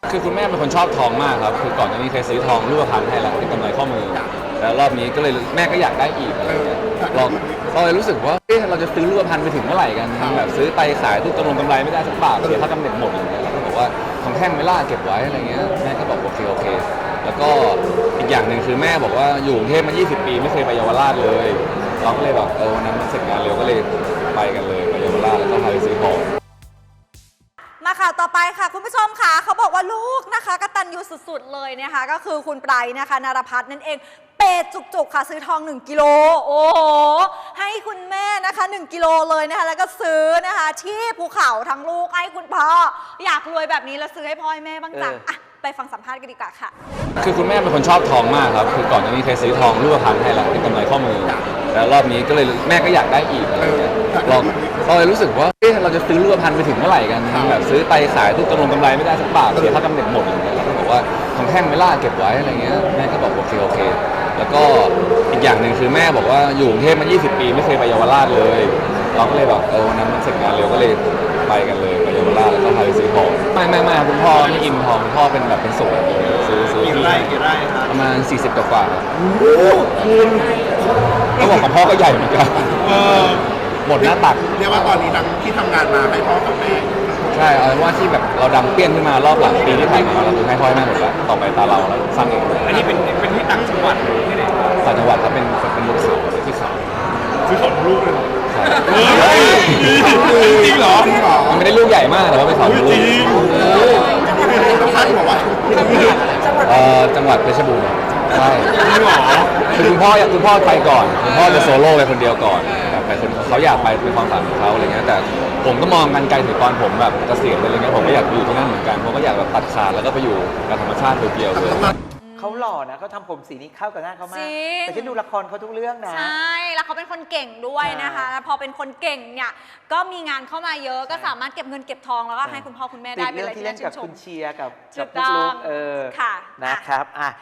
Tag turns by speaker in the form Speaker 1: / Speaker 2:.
Speaker 1: คือคุณแม่เป็นคนชอบทองมากครับคือก่อนหน้านี้เคยซื้อทองรูปพรรณให้แล้วเป็นกำไรข้อมือแล้วรอบนี้ก็เลยแม่ก็อยากได้อีกอะไรเงี้ยเราเลยรู้สึกว่าเราจะซื้อรูปพรรณไปถึงเมื่อไหร่กันแบบซื้อไปขายทุกกำไรไม่ได้สักบาทเสียค่ากำเนิดหมดอะไรเงี้ยเราก็บอกว่าของแท่งไม่ล่าเก็บไว้อะไรเงี้ยแม่ก็บอกโอเคแล้วก็อีกอย่างหนึ่งคือแม่บอกว่าอยู่กรุงเทพมา20 ปีไม่เคยไปเยาวราชเลยเราก็เลยแบบวันนั้นมันเสร็จงานเร็วก็เลยไปกันเลยไปเยาวราชแล้วก็พาไปซื้อทอง
Speaker 2: มาข่าวต่อไปค่ะคุณผู้ชมค่ะเขาบอกว่าลูกนะคะกตัญญูสุดๆเลยนะคะก็คือคุณไบรท์นะคะนารพัฒน์นั่นเองเปย์จุกๆค่ะซื้อทอง1 กิโลโอ้โหให้คุณแม่นะคะ1 กิโลเลยนะคะแล้วก็ซื้อนะคะที่ภูเขาทั้งลูกให้คุณพ่ออยากรวยแบบนี้แล้วซื้อให้พ่อให้แม่บ้างจังอ่ะไปฟังสัมภาษณ์กันดีกว่าค่ะ
Speaker 1: คือคุณแม่เป็นคนชอบทองมากครับคือก่อนหน้านี้เคยซื้อทองรูปพรรณให้แล้วเป็นกำไรข้อมือแล้วรอบนี้ก็เลยแม่ก็อยากได้อีกอะไรเงี้ยเราเลยรู้สึกว่าเราจะซื้อรูปพรรณไปถึงเมื่อไหร่กันแบบซื้อไปขายทุกกำไรไม่ได้สักบาทเสียค่ากำเนิดหมดอะไรเงี้ยเราก็บอกว่าของแท่งไม่ล่าเก็บไว้อะไรเงี้ยแม่ก็บอกโอเคแล้วก็อีกอย่างหนึ่งคือแม่บอกว่าอยู่กรุงเทพมา20 ปีไม่เคยไปเยาวราชเลยเราก็เลยแบบวันนั้นมันเสร็จงานเร็วก็เลยไปกันเลยไปเยาวราชแล้วก็พาไปซื้อทองไม่คุณพ่อไม่อินทองคุณพ่อเป็นแบบเป็นสวนซื้อ
Speaker 3: กี่ไร่ครับ
Speaker 1: ประมาณ40 กว่าคุณเขาบอกของพ่อก็ใหญ่เหมือนกันหมดหน้าตัก
Speaker 3: เรียกว่าตอนนี้ทั้งที่ทำงานมาให้พ่อกับแม่
Speaker 1: ใช่เอาว่าที่แบบเราดังเปี้ยนขึ้นมารอบหลังปีที่ถ่ายมาเราคือให้พ่อให้แม่หมดแล้วต่อไปตาเราสร้างเอง
Speaker 3: อันนี้เป็นที่ต่างจังหวัดที่ไหน
Speaker 1: ต่างจังหวัดครับเป็นบนเขาเป็นที่เขา
Speaker 3: ซื้อของลูกเลยจริงเหรอ
Speaker 1: มันไม่ได้ลูกใหญ่มากแต่ว่าเป็นเขาลูก
Speaker 3: จริงท่านบอกว่า
Speaker 1: จังหวัดเพชรบูรณ์ใช่คือคุณพ่อไปก่อนคุณพ่อจะโซโล่ไปคนเดียวก่อนแบบไปคนเขาอยากไปเป็นความฝันของเขาอะไรเงี้ยแต่ผมก็มองกันไกลถึงตอนผมแบบเกษียณอะไรเงี้ยผมก็อยากอยู่ที่นั่นเหมือนกันผมก็อยากแบบตัดขาดแล้วก็ไปอยู่กับธรรมชาติเพียวๆเลย
Speaker 4: เขาหล่อนะเขาทำผมสีนี้เข้ากับหน้าเขามากแต่ฉันดูละครเขาทุกเรื่องนะ
Speaker 2: ใช่แล้วเขาเป็นคนเก่งด้วยนะคะพอเป็นคนเก่งเนี่ยก็มีงานเข้ามาเยอะก็สามารถเก็บเงินเก็บทองแล้วก็ให้คุณพ่อคุณแม่ได้เป็นอะไรที่น่าชื่นชม
Speaker 4: ที่เล่นกับคุณเชียร์กับ
Speaker 2: ลูกๆ
Speaker 4: นะครับ